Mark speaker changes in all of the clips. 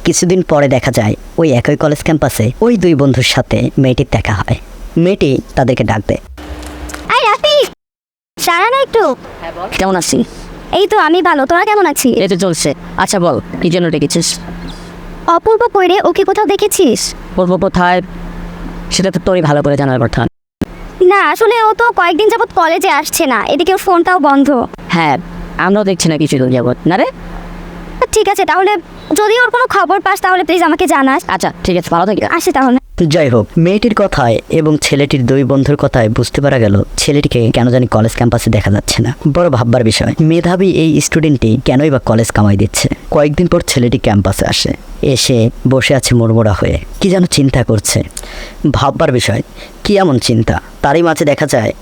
Speaker 1: কিছুদিন পরে দেখা যায় ওই একই কলেজ ক্যাম্পাসে ওই দুই বন্ধুর সাথে মেয়েটির দেখা হয়। মেয়েটি তাদেরকে ডাক দেয়।
Speaker 2: আই রাফি, সারা না একটু।
Speaker 3: কেমন আছি?
Speaker 2: এই তো আমি ভালো, তোরা কেমন আছিস?
Speaker 3: এই তো চলছে। আচ্ছা বল, কি জন্য ডেকেছিস?
Speaker 2: অপূর্ব কইরে ওকে কোথাও দেখেছিস?
Speaker 3: বলবো কোথায়, সেটা তো তোরই ভালো করে জানার কথা।
Speaker 2: না আসলে ও তো কয়েকদিন যাবত কলেজে আসছে না, এদিকে ওর ফোনটাও বন্ধ।
Speaker 3: হ্যাঁ, আমরাও দেখছি না কিছুদিন যাবত। না রে,
Speaker 2: ঠিক আছে তাহলে যদি ওর কোনো খবর পাস তাহলে প্লিজ আমাকে জানাস।
Speaker 3: আচ্ছা ঠিক আছে, ভালো থাকি।
Speaker 2: আসি তাহলে।
Speaker 1: যাই হোক, মেয়েটির কথায় এবং ছেলেটির দুই বন্ধুর কথায় বুঝতে পারা গেল ছেলেটিকে কেন জানি কলেজ ক্যাম্পাসে দেখা যাচ্ছে না। বড় ভাববার বিষয়, মেধাবী এই স্টুডেন্টটি কেনই বা কলেজ কামাই দিচ্ছে। কয়েকদিন পর ছেলেটি ক্যাম্পাসে আসে, এসে বসে আছে মুড়মুড়া হয়ে, কি যেন চিন্তা করছে। ভাববার বিষয়, কি এমন চিন্তা? তারই মাঝে দেখা যায়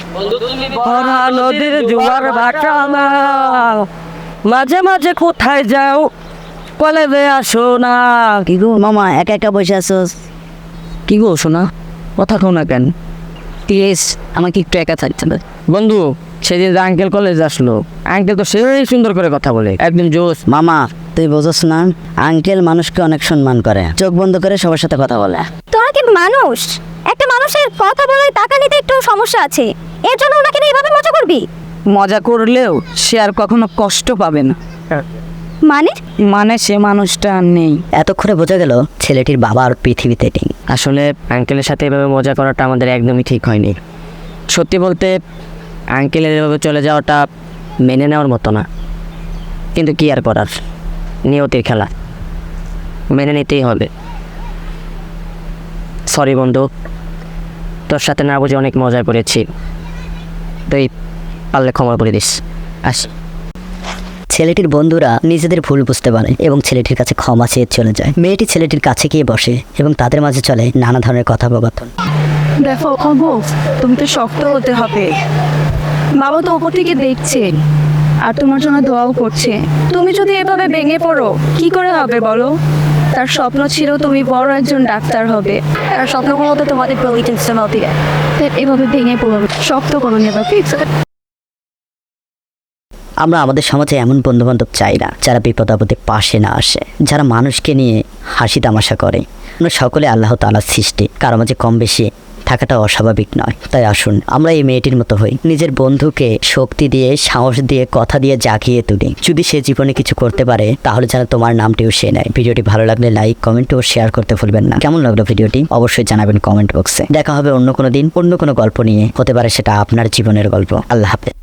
Speaker 3: নদীর জোয়ার ভাটা মাঝে মাঝে কোথায় যাও, কলেজে আসো না। কি গো মামা, একা একা বসে আছো? কি গো শোনা, কথা কও না কেন? প্লিজ আমাকে একটু একা থাকতে হবে। বন্ধু, সেদিন যে আঙ্কেল কলেজ আসলো, আঙ্কেল তো সেই সুন্দর করে কথা বলে, একদম জোস।
Speaker 1: মামা, তুই বোঝস না, আঙ্কেল মানুষকে অনেক সম্মান করে, চোখ বন্ধ করে সবার সাথে কথা বলে।
Speaker 2: তোরা কি মানুষ? একটা মানুষের কথা বলে টাকা নিতে একটু সমস্যা আছে, এর জন্য ওনাকে নিয়ে এভাবে মজা করবি?
Speaker 3: মজা করলেও সে আর কখনো কষ্ট পাবে না।
Speaker 2: মানে
Speaker 3: সে মানুষটা আর নেই।
Speaker 1: এতক্ষণে বোঝা গেল ছেলেটির বাবা আর পৃথিবীতে নেই।
Speaker 3: আসলে আঙ্কেলের সাথে এভাবে মজা করাটা আমাদের একদমই ঠিক হয়নি। সত্যি বলতে আঙ্কেলের এভাবে চলে যাওয়াটা মেনে নেওয়ার মতো না, কিন্তু কি আর করার, নিয়তির খেলা, মেনে নিতেই হবে। সরি বন্ধু, তোর সাথে না বুঝে অনেক মজা করেছি, তুই পারলে ক্ষমা করে দিস। আসি।
Speaker 1: ছেলেটির বন্ধুরা নিজেদের ভুল বুঝতে পারে এবং ছেলেটির কাছে ক্ষমা চেয়ে চলে যায়। মেয়েটি ছেলেটির কাছে গিয়ে বসে এবং তাদের মাঝে চলে নানা ধরনের কথোপকথন।
Speaker 4: দেখো অবু, তুমি তো শক্ত হতে হবে। বাবা তো ওপর থেকে দেখছে আর তোমার জন্য দোয়াও করছে। তুমি যদি এভাবে ভেঙে পড়ো কি করে হবে বলো? তার স্বপ্ন ছিল তুমি বড় একজন ডাক্তার হবে, আর স্বপ্নগুলো তো তোমাদের এভাবে ভেঙে পড়ো, শক্ত করো নেবা।
Speaker 1: আমরা আমাদের সমাজে এমন বন্ধুবান্ধব চাই না যারা বিপদ আপদে পাশে না আসে, যারা মানুষকে নিয়ে হাসি তামাশা করে। আমরা সকলে আল্লাহ তাআলার সৃষ্টি, কারো মাঝে কম বেশি থাকাটা অস্বাভাবিক নয়। তাই আসুন আমরা এই মেয়েটির মতো হই, নিজের বন্ধুকে শক্তি দিয়ে, সাহস দিয়ে, কথা দিয়ে জাগিয়ে তুলি। যদি সে জীবনে কিছু করতে পারে তাহলে যেন তোমার নামটিও সে নেয়। ভিডিওটি ভালো লাগলে লাইক, কমেন্ট ও শেয়ার করতে ভুলবেন না। কেমন লাগলো ভিডিওটি অবশ্যই জানাবেন কমেন্ট বক্সে। দেখা হবে অন্য কোনো দিন অন্য কোনো গল্প নিয়ে, হতে পারে সেটা আপনার জীবনের গল্প। আল্লাহ হাফেজ।